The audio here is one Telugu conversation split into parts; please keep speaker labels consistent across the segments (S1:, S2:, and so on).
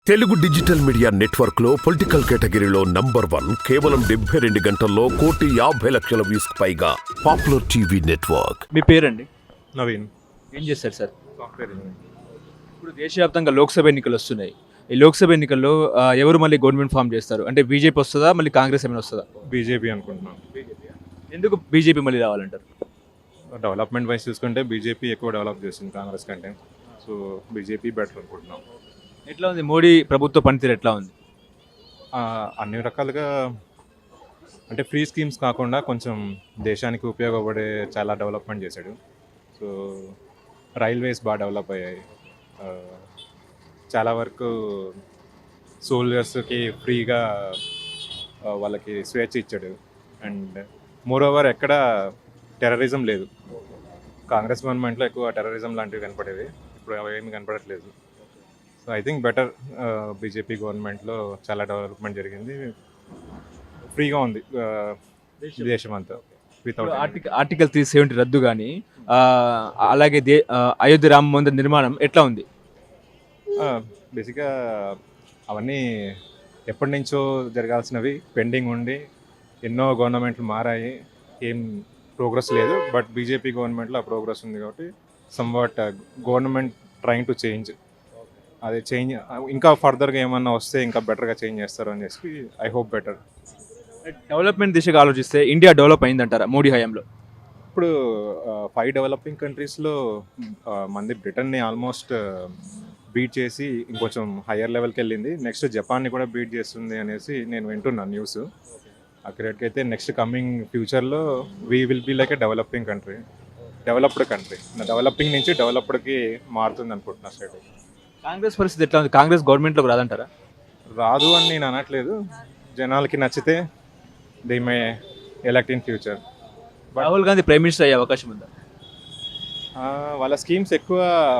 S1: తెలుగు డిజిటల్ మీడియా నెట్వర్క్ లో పొలిటికల్ కేటగిరీలో నంబర్ 1 కేవలం 72 గంటల్లో 1,50,00,000 వ్యూస్ పైగా పాపులర్ టీవీ నెట్వర్క్.
S2: మీ పేరండి?
S3: నవీన్.
S2: ఏం చేస్తారు సార్?
S3: Software engineer.
S2: ఇప్పుడు దేశవ్యాప్తంగా లోక్సభ ఎన్నికలు వస్తున్నాయి. ఈ లోక్సభ ఎన్నికల్లో ఎవరు మళ్ళీ గవర్నమెంట్ ఫామ్ చేస్తారు? అంటే బీజేపీ వస్తుందా, మళ్ళీ కాంగ్రెస్ ఏమైనా వస్తుందా?
S3: బీజేపీ అనుకుంటున్నాను.
S2: ఎందుకు బీజేపీ మళ్ళీ రావాలంటారు?
S3: డెవలప్మెంట్ వైజ్ చూసుకుంటే బీజేపీ ఎక్కువ డెవలప్ చేసింది కాంగ్రెస్ కంటే. సో బీజేపీ బెటర్ అనుకుంటున్నాం.
S2: ఎట్లా ఉంది మోడీ ప్రభుత్వ పనితీరు ఎట్లా ఉంది?
S3: అన్ని రకాలుగా అంటే ఫ్రీ స్కీమ్స్ కాకుండా కొంచెం దేశానికి ఉపయోగపడే చాలా డెవలప్మెంట్ చేశాడు. సో రైల్వేస్ బాగా డెవలప్ అయ్యాయి. చాలా వరకు సోల్జర్స్కి ఫ్రీగా వాళ్ళకి స్వేచ్ఛ ఇచ్చాడు. అండ్ మోర్ ఓవర్ ఎక్కడ టెర్రరిజం లేదు. కాంగ్రెస్ గవర్నమెంట్లో ఎక్కువ టెర్రరిజం లాంటివి కనపడేవి, ఇప్పుడు అవి ఏమి కనపడట్లేదు. So I think better. BJP గవర్నమెంట్లో చాలా డెవలప్మెంట్ జరిగింది, ఫ్రీగా ఉంది దేశం అంతా వితౌట్.
S2: ఆర్టికల్ 370 రద్దు కానీ అలాగే అయోధ్య రామ మందిర్ నిర్మాణం ఎట్లా ఉంది?
S3: బేసిక్గా అవన్నీ ఎప్పటి నుంచో జరగాల్సినవి పెండింగ్ ఉండి ఎన్నో గవర్నమెంట్లు మారాయి, ఏం ప్రోగ్రెస్ లేదు. బట్ బీజేపీ గవర్నమెంట్లో ఆ ప్రోగ్రెస్ ఉంది కాబట్టి somewhat government trying to change. అది చేంజ్ ఇంకా ఫర్దర్గా ఏమన్నా వస్తే ఇంకా బెటర్గా చేంజ్ చేస్తారు అని చెప్పి ఐ హోప్ బెటర్.
S2: డెవలప్మెంట్ దిశగా ఆలోచిస్తే ఇండియా డెవలప్ అయిందంటారా మోడీ హయాంలో?
S3: ఇప్పుడు 5 డెవలపింగ్ కంట్రీస్లో మంది బ్రిటన్ని ఆల్మోస్ట్ బీట్ చేసి ఇంకొంచెం హయ్యర్ లెవెల్కి వెళ్ళింది. నెక్స్ట్ జపాన్ని కూడా బీట్ చేస్తుంది అనేసి నేను వింటున్నాను న్యూస్. అక్కడికి అయితే నెక్స్ట్ కమింగ్ ఫ్యూచర్లో we will be like a developed country. Developing నుంచి డెవలప్డ్కి మారుతుంది అనుకుంటున్నా స్టేట్.
S2: కాంగ్రెస్ పరిస్థితి ఎట్లా ఉంది? కాంగ్రెస్ గవర్నమెంట్లోకి రాదంటారా?
S3: రాదు అని నేను అనట్లేదు. జనాలకి నచ్చితే they may elect in future.
S2: Rahul Gandhi prime minister అయ్యే అవకాశం ఉందా?
S3: వాళ్ళ స్కీమ్స్ ఎక్కువ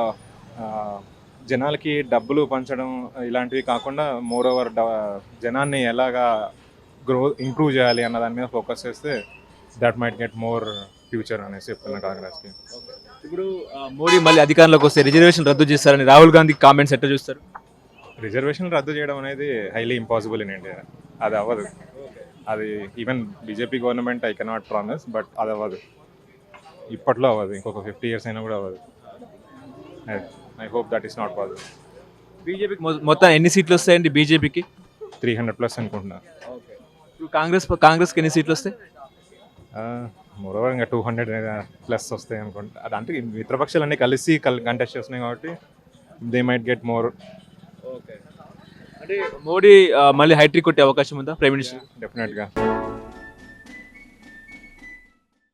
S3: జనాలకి డబ్బులు పంచడం ఇలాంటివి కాకుండా మోర్ ఓవర్ జనాన్ని ఎలాగా ఇంప్రూవ్ చేయాలి అన్న దాని మీద ఫోకస్ చేస్తే that might get more future అనేసి చెప్తున్నా కాంగ్రెస్కి.
S2: ఇప్పుడు మోడీ మళ్ళీ అధికారంలోకి వస్తే రిజర్వేషన్ రద్దు చేస్తారని రాహుల్ గాంధీ కామెంట్స్ ఎట్లా చూస్తారు?
S3: రిజర్వేషన్ రద్దు చేయడం అనేది హైలీ ఇంపాసిబుల్ ఇన్ ఇండియా. అది అవ్వదు. అది even BJP government I cannot promise, but అది అవ్వదు. ఇప్పట్లో అవ్వదు, ఇంకొక 50 years అయినా కూడా అవ్వదు. I hope that is not possible.
S2: బీజేపీకి మొత్తం ఎన్ని సీట్లు వస్తాయండి? బీజేపీకి
S3: 300+ అనుకుంటున్నా.
S2: ఇప్పుడు కాంగ్రెస్కి ఎన్ని సీట్లు వస్తాయి?
S3: మోరోవర్ ఇంకా 200+ వస్తాయి అనుకుంటా. అదంటే మిత్రపక్షాలన్నీ కలిసి కంటెస్ట్ చేస్తున్నాయి కాబట్టి దే మైట్ గెట్ మోర్.
S2: అంటే మోడీ మళ్ళీ హైట్రిక్ కొట్టే అవకాశం ఉందా ప్రైమ్ మినిస్టర్?
S3: డెఫినెట్గా.